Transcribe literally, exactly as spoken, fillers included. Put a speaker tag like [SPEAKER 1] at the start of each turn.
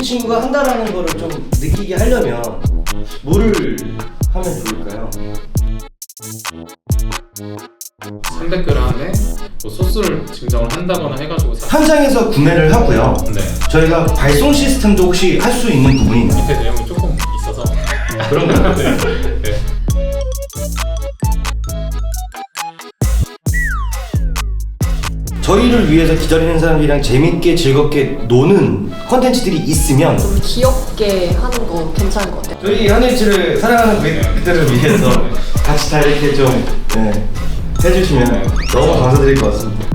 [SPEAKER 1] 친구가 한다라는 거를 좀 느끼게 하려면 뭐를 하면 좋을까요?
[SPEAKER 2] 삼백 그램에 뭐 소스를 증정을 한다거나 해가지고 사...
[SPEAKER 1] 현장에서 구매를 하고요.
[SPEAKER 2] 네.
[SPEAKER 1] 저희가 발송 시스템도 혹시 할 수 있는 부분이 있나요?
[SPEAKER 2] 밑에 내용이 조금 있어서
[SPEAKER 1] 그런 거
[SPEAKER 2] 네. 네.
[SPEAKER 1] 저희를 위해서 기다리는 사람들이랑 재밌게 즐겁게 노는 컨텐츠들이 있으면
[SPEAKER 3] 좀 귀엽게 하는 거 괜찮은 것 같아요.
[SPEAKER 1] 저희 한일치를 사랑하는 고객들을 위해서 같이 다 이렇게 좀 네, 해주시면 너무 감사드릴 것 같습니다.